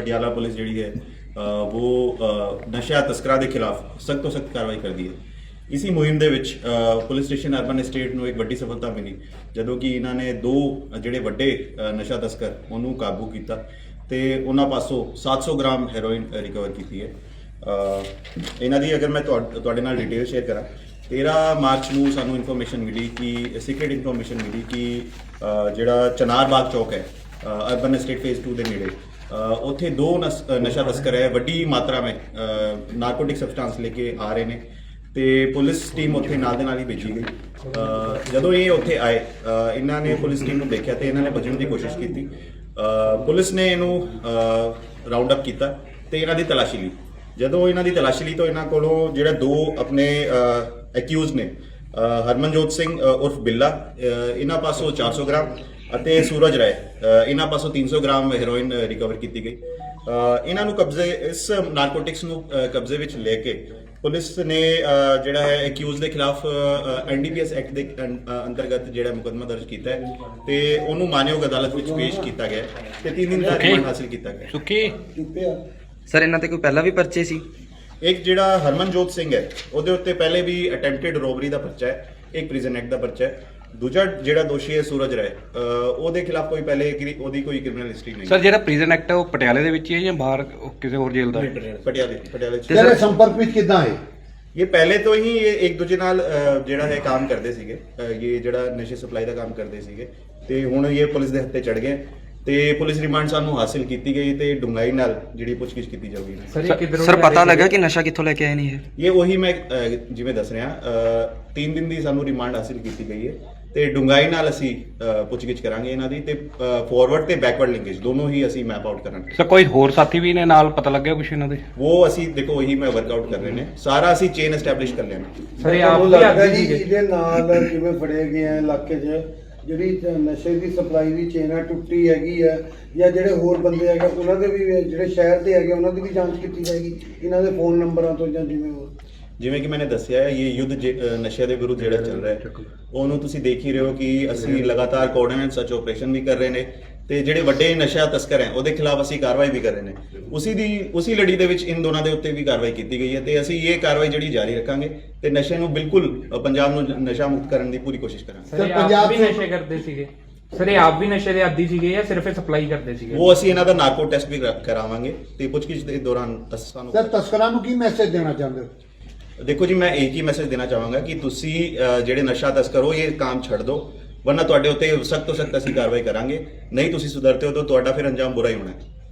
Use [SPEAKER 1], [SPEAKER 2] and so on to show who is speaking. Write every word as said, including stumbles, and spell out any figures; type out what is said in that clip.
[SPEAKER 1] Patiala police जी है वो नशा तस्करां के खिलाफ सख्त तो सख्त कार्रवाई कर दी है। इसी मुहिम ਦੇ ਵਿੱਚ ਪੁਲਿਸ ਸਟੇਸ਼ਨ ਅਰਬਨ ਸਟੇਟ ਨੂੰ ਇੱਕ ਵੱਡੀ ਸਫਲਤਾ ਮਿਲੀ ਜਦੋਂ ਕਿ ਇਹਨਾਂ ਨੇ ਦੋ ਜਿਹੜੇ ਵੱਡੇ ਨਸ਼ਾ ਤਸਕਰ ਉਹਨੂੰ ਕਾਬੂ ਕੀਤਾ ਤੇ ਉਹਨਾਂ ਪਾਸੋਂ ਸੱਤ ਸੌ ਗ੍ਰਾਮ ਹੈਰੋਇਨ ਰਿਕਵਰ ਕੀਤੀ ਹੈ। ਇਹਨਾਂ ਦੀ ਅਗਰ ਮੈਂ ਤੁਹਾਡੇ ਨਾਲ ਡਿਟੇਲ ਸ਼ੇਅਰ ਕਰਾਂ, तेरह मार्च ਨੂੰ ਸਾਨੂੰ ਇਨਫੋਰਮੇਸ਼ਨ ਮਿਲੀ ਕਿ ਸੀਕ੍ਰੀਟ ਇਨਫੋਰਮੇਸ਼ਨ ਮਿਲੀ ਕਿ ਜਿਹੜਾ ਚਨਾਰ ਬਾਗ ਚੌਕ ਹੈ ਅਰਬਨ ਸਟੇਟ ਫੇਜ਼ टू ਦੇ ਨੇੜੇ ਉੱਥੇ ਦੋ ਨਸ਼ਾ ਤਸਕਰ ਹੈ ਵੱਡੀ ਮਾਤਰਾ ਵਿੱਚ ਨਾਰਕੋਟਿਕ ਸਬਸਟੈਂਸ ਲੈ ਕੇ ਆ ਰਹੇ ਨੇ ਤੇ ਪੁਲਿਸ ਟੀਮ ਉੱਥੇ ਨਾਲ ਦੇ ਨਾਲ ਹੀ ਭੇਜੀ ਗਈ। ਜਦੋਂ ਇਹ ਉੱਥੇ ਆਏ ਇਹਨਾਂ ਨੇ ਪੁਲਿਸ ਟੀਮ ਨੂੰ ਦੇਖਿਆ ਤੇ ਇਹਨਾਂ ਨੇ ਭੱਜਣ ਦੀ ਕੋਸ਼ਿਸ਼ ਕੀਤੀ। ਪੁਲਿਸ ਨੇ ਇਹਨੂੰ ਰਾਉਂਡ ਅਪ ਕੀਤਾ ਤੇ ਇਹਨਾਂ ਦੀ ਤਲਾਸ਼ੀ ਲਈ। ਜਦੋਂ ਇਹਨਾਂ ਦੀ ਤਲਾਸ਼ੀ ਲਈ ਤਾਂ ਇਹਨਾਂ ਕੋਲੋਂ ਜਿਹੜਾ ਦੋ ਆਪਣੇ ਐਕਿਊਜ਼ ਨੇ ਹਰਮਨਜੋਤ ਸਿੰਘ ਉਰਫ ਬਿੱਲਾ ਇਹਨਾਂ ਪਾਸੋਂ ਚਾਰ ਸੌ ਗ੍ਰਾਮ ਅਤੇ ਸੂਰਜ ਰਾਏ ਇਹਨਾਂ ਪਾਸੋਂ ਤਿੰਨ ਸੌ ਗ੍ਰਾਮ ਹੈਰੋਇਨ ਰਿਕਵਰ ਕੀਤੀ ਗਈ। ਇਹਨਾਂ ਨੂੰ ਕਬਜ਼ੇ ਇਸ ਨਾਰਕੋਟਿਕਸ ਨੂੰ ਕਬਜ਼ੇ ਵਿੱਚ ਲੈ ਕੇ ਪੁਲਿਸ ਨੇ ਜਿਹੜਾ ਹੈ ਐਕਿਊਜ਼ ਦੇ ਖਿਲਾਫ ਐਨਡੀਪੀਐਸ ਐਕਟ ਦੇ ਅੰਤਰਗਤ ਜਿਹੜਾ ਮੁਕੱਦਮਾ ਦਰਜ ਕੀਤਾ ਹੈ ਤੇ ਉਹਨੂੰ ਮਾਨਯੋਗ ਅਦਾਲਤ ਵਿੱਚ ਪੇਸ਼ ਕੀਤਾ ਗਿਆ ਤੇ ਤਿੰਨ ਦਿਨ ਦਾ ਰਿਮਾਂਡ ਹਾਸਲ ਕੀਤਾ ਗਿਆ।
[SPEAKER 2] ਸੁੱਕੀ
[SPEAKER 3] ਸਰ ਇਹਨਾਂ ਤੇ ਕੋਈ ਪਹਿਲਾਂ ਵੀ ਪਰਚੇ ਸੀ?
[SPEAKER 1] ਇੱਕ ਜਿਹੜਾ ਹਰਮਨਜੋਤ ਸਿੰਘ ਹੈ ਉਹਦੇ ਉੱਤੇ ਪਹਿਲੇ ਵੀ ਅਟੈਂਪਟਡ ਰੋਬਰੀ ਦਾ ਪਰਚਾ ਹੈ, ਇੱਕ ਪ੍ਰਿਜ਼ਨ ਐਕਟ ਦਾ ਪਰਚਾ ਹੈ। ਦੂਜਾ ਜਿਹੜਾ ਦੋਸ਼ੀ ਹੈ ਸੂਰਜ ਰਾਏ ਉਹਦੇ ਖਿਲਾਫ ਕੋਈ ਪਹਿਲੇ ਉਹਦੀ ਕੋਈ ਕ੍ਰਿਮੀਨਲ ਹਿਸਟਰੀ ਨਹੀਂ।
[SPEAKER 2] ਸਰ ਜਿਹੜਾ ਪ੍ਰਿਜ਼ਨ ਐਕਟ ਹੈ ਉਹ ਪਟਿਆਲੇ ਦੇ ਵਿੱਚ ਹੀ ਹੈ ਜਾਂ ਬਾਹਰ ਕਿਸੇ ਹੋਰ ਜੇਲ੍ਹ ਦਾ?
[SPEAKER 1] ਪਟਿਆਲੇ ਪਟਿਆਲੇ ਚ।
[SPEAKER 4] ਤੇਰੇ ਸੰਪਰਕ ਵਿੱਚ ਕਿੱਦਾਂ ਹੈ
[SPEAKER 1] ਇਹ? ਪਹਿਲੇ ਤੋਂ ਹੀ ਇਹ ਇੱਕ ਦੂਜੇ ਨਾਲ ਜਿਹੜਾ ਹੈ ਕੰਮ ਕਰਦੇ ਸੀਗੇ, ਇਹ ਜਿਹੜਾ ਨਸ਼ੇ ਸਪਲਾਈ ਦਾ ਕੰਮ ਕਰਦੇ ਸੀਗੇ ਤੇ ਹੁਣ ਇਹ ਪੁਲਿਸ ਦੇ ਹੱਥੇ ਚੜ ਗਏ ਤੇ ਪੁਲਿਸ ਰਿਮਾਂਡ ਸਾਨੂੰ ਹਾਸਿਲ ਕੀਤੀ ਗਈ ਤੇ ਡੂੰਘਾਈ ਨਾਲ ਜਿਹੜੀ ਪੁੱਛਗਿੱਛ ਕੀਤੀ ਜਾਊਗੀ।
[SPEAKER 3] ਸਰ ਪਤਾ ਲੱਗਾ ਕਿ ਨਸ਼ਾ ਕਿੱਥੋਂ ਲੈ ਕੇ ਆਏ ਨੇ ਇਹ?
[SPEAKER 1] ਇਹ ਉਹੀ ਮੈਂ ਜਿਵੇਂ ਦੱਸ ਰਿਹਾ ਤਿੰਨ ਦਿਨ ਦੀ ਸਾਨੂੰ ਰਿਮਾਂਡ ਹਾਸਿਲ ਕੀਤੀ ਗਈ ਹੈ ਤੇ ਡੂੰਘਾਈ ਨਾਲ ਅਸੀਂ ਪੁੱਛਗਿੱਛ ਕਰਾਂਗੇ ਇਹਨਾਂ ਦੀ ਤੇ ਫਾਰਵਰਡ ਤੇ ਬੈਕਵਰਡ ਲਿੰਕੇਜ ਦੋਨੋਂ ਹੀ ਅਸੀਂ ਮੈਪ ਆਊਟ ਕਰਾਂਗੇ।
[SPEAKER 2] ਸਰ ਕੋਈ ਹੋਰ ਸਾਥੀ ਵੀ ਨੇ ਨਾਲ, ਪਤਾ ਲੱਗਿਆ ਕੁਛ ਇਹਨਾਂ ਦੇ?
[SPEAKER 1] ਉਹ ਅਸੀਂ ਦੇਖੋ ਉਹੀ ਮੈਂ ਵਰਕ ਆਊਟ ਕਰ ਰਹੇ ਨੇ, ਸਾਰਾ ਅਸੀਂ ਚੇਨ ਐਸਟੈਬਲਿਸ਼ ਕਰ ਲਿਆ।
[SPEAKER 4] ਸਰ ਇਹ ਆਪ ਲੱਗਦਾ ਜੀ ਇਹਦੇ ਨਾਲ ਜਿਵੇਂ ਫੜੇ ਗਏ ਆ ਇਲਾਕੇ 'ਚ ਜਿਹੜੀ ਨਸ਼ੇ ਦੀ ਸਪਲਾਈ ਦੀ ਚੇਨ ਆ ਟੁੱਟੀ ਹੈਗੀ ਆ ਜਾਂ ਜਿਹੜੇ ਹੋਰ ਬੰਦੇ ਹੈਗੇ ਉਹਨਾਂ ਦੇ ਵੀ ਜਿਹੜੇ ਸ਼ਹਿਰ ਦੇ ਹੈਗੇ ਉਹਨਾਂ ਦੀ ਵੀ ਜਾਂਚ ਕੀਤੀ ਜਾਏਗੀ ਇਹਨਾਂ ਦੇ ਫੋਨ ਨੰਬਰਾਂ ਤੋਂ ਜਾਂ ਜਿਵੇਂ ਹੋਰ? ਜਿਵੇਂ
[SPEAKER 1] ਕਿ ਮੈਨੇ ਦੱਸਿਆ ਹੈ ਇਹ ਯੁੱਧ ਨਸ਼ੇ ਦੇ ਵਿਰੁੱਧ ਜਿਹੜਾ ਚੱਲ ਰਿਹਾ ਹੈ ਉਹਨੂੰ ਤੁਸੀਂ ਦੇਖ ਹੀ ਰਹੇ ਹੋ ਕਿ ਅਸੀਂ ਲਗਾਤਾਰ ਕੋਆਰਡੀਨੇਟ ਸਰਚ ਆਪਰੇਸ਼ਨ ਵੀ ਕਰ ਰਹੇ ਨੇ ਤੇ ਜਿਹੜੇ ਵੱਡੇ ਨਸ਼ਾ ਤਸਕਰ ਹੈ ਉਹਦੇ ਖਿਲਾਫ ਅਸੀਂ ਕਾਰਵਾਈ ਵੀ ਕਰ ਰਹੇ ਨੇ। ਉਸੇ ਦੀ ਉਸੇ ਲੜੀ ਦੇ ਵਿੱਚ ਇਨ ਦੋਨਾਂ ਦੇ ਉੱਤੇ ਵੀ ਕਾਰਵਾਈ ਕੀਤੀ ਗਈ ਹੈ ਤੇ ਅਸੀਂ ਇਹ ਕਾਰਵਾਈ ਜਿਹੜੀ ਜਾਰੀ ਰੱਖਾਂਗੇ ਤੇ ਨਸ਼ੇ ਨੂੰ ਬਿਲਕੁਲ ਪੰਜਾਬ ਨੂੰ ਨਸ਼ਾ ਮੁਕਤ ਕਰਨ ਦੀ ਪੂਰੀ ਕੋਸ਼ਿਸ਼ ਕਰਾਂਗੇ।
[SPEAKER 5] ਸਰ ਪੰਜਾਬ ਵੀ ਨਸ਼ੇ ਕਰਦੇ ਸੀਗੇ? ਸਰ ਇਹ ਆਪ ਵੀ ਨਸ਼ੇ ਦੇ ਆਦੀ ਸੀਗੇ ਜਾਂ ਸਿਰਫ ਸਪਲਾਈ ਕਰਦੇ ਸੀਗੇ?
[SPEAKER 1] ਉਹ ਅਸੀਂ ਇਹਨਾਂ ਦਾ ਨਾਰਕੋ ਟੈਸਟ ਵੀ ਕਰਾਵਾਂਗੇ ਤੇ ਪੁੱਛਗਿੱਛ ਦੇ ਦੌਰਾਨ ਸਾਨੂੰ।
[SPEAKER 4] ਸਰ ਤਸਕਰਾਂ ਨੂੰ ਕੀ ਮੈਸੇਜ ਦੇਣਾ ਚਾਹੁੰਦੇ ਹੋ?
[SPEAKER 1] देखो जी मैं एक ही मैसेज देना चाहूँगा कि तुसी ਜਿਹੜੇ ਨਸ਼ਾ ਤਸਕਰ ਹੋ ਇਹ ਕੰਮ ਛੱਡ ਦਿਓ ਵਰਨਾ ਤੁਹਾਡੇ ਉੱਤੇ ਸਖਤ ਤੋਂ ਸਖਤ ਅਸੀਂ ਕਾਰਵਾਈ ਕਰਾਂਗੇ। ਨਹੀਂ ਤੁਸੀਂ ਸੁਧਰਤੇ ਹੋ ਤਾਂ ਤੁਹਾਡਾ ਫਿਰ ਅੰਜਾਮ ਬੁਰਾ ਹੀ ਹੋਣਾ ਹੈ।